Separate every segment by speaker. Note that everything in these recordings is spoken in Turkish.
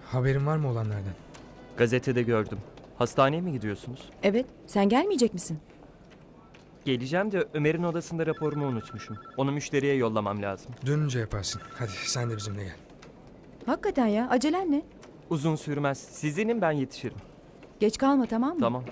Speaker 1: Haberin var mı olanlardan?
Speaker 2: Gazetede gördüm. Hastaneye mi gidiyorsunuz?
Speaker 3: Evet, sen gelmeyecek misin?
Speaker 2: Geleceğim de Ömer'in odasında raporumu unutmuşum. Onu müşteriye yollamam lazım.
Speaker 1: Dönünce yaparsın. Hadi sen de bizimle gel.
Speaker 3: Hakikaten ya, acelen ne?
Speaker 2: Uzun sürmez. Siz inin, ben yetişirim.
Speaker 3: Geç kalma, tamam mı?
Speaker 2: Tamam.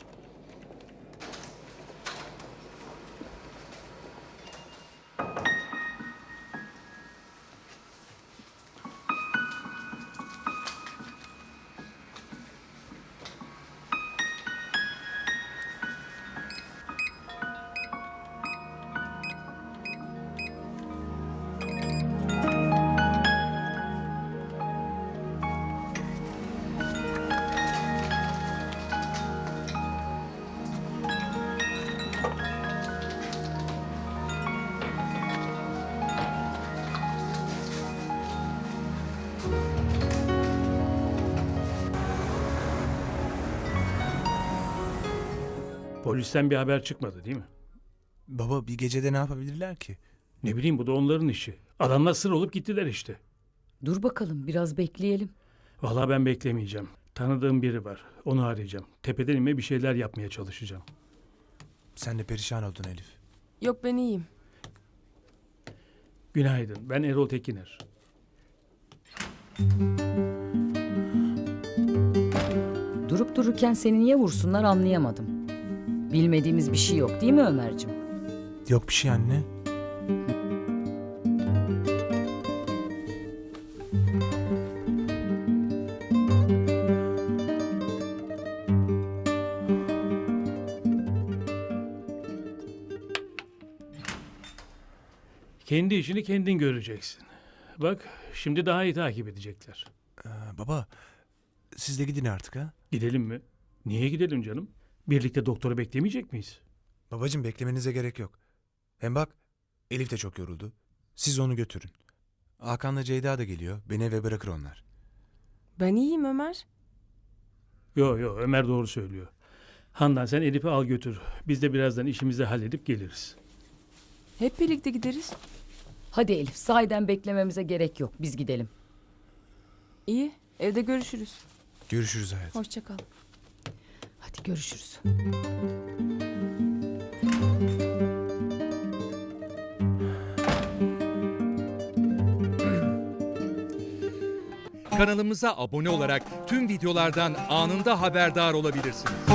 Speaker 4: Polisten bir haber çıkmadı değil mi?
Speaker 5: Baba bir gecede ne yapabilirler ki?
Speaker 4: Ne bileyim, bu da onların işi. Adamlar sır olup gittiler işte.
Speaker 6: Dur bakalım, biraz bekleyelim.
Speaker 4: Vallahi ben beklemeyeceğim. Tanıdığım biri var. Onu arayacağım. Tepeden inme bir şeyler yapmaya çalışacağım.
Speaker 5: Sen de perişan oldun Elif.
Speaker 7: Yok, ben iyiyim.
Speaker 4: Günaydın. Ben Erol Tekiner.
Speaker 6: Durup dururken seni niye vursunlar anlayamadım. Bilmediğimiz bir şey yok değil mi Ömerciğim?
Speaker 5: Yok bir şey anne.
Speaker 4: Kendi işini kendin göreceksin. Bak, şimdi daha iyi takip edecekler.
Speaker 5: Baba siz de gidin artık ha.
Speaker 4: Gidelim mi? Niye gidelim canım? Birlikte doktoru beklemeyecek miyiz?
Speaker 5: Babacığım beklemenize gerek yok. Hem bak Elif de çok yoruldu. Siz onu götürün. Hakan'la Ceyda da geliyor. Beni eve bırakır onlar.
Speaker 7: Ben iyiyim Ömer.
Speaker 4: Yo, Ömer doğru söylüyor. Handan, sen Elif'i al götür. Biz de birazdan işimizi halledip geliriz.
Speaker 7: Hep birlikte gideriz.
Speaker 6: Hadi Elif, sahiden beklememize gerek yok. Biz gidelim.
Speaker 7: İyi, evde görüşürüz.
Speaker 5: Görüşürüz hayatım.
Speaker 7: Hoşça kal.
Speaker 6: Hadi görüşürüz.
Speaker 8: Kanalımıza abone olarak tüm videolardan anında haberdar olabilirsiniz.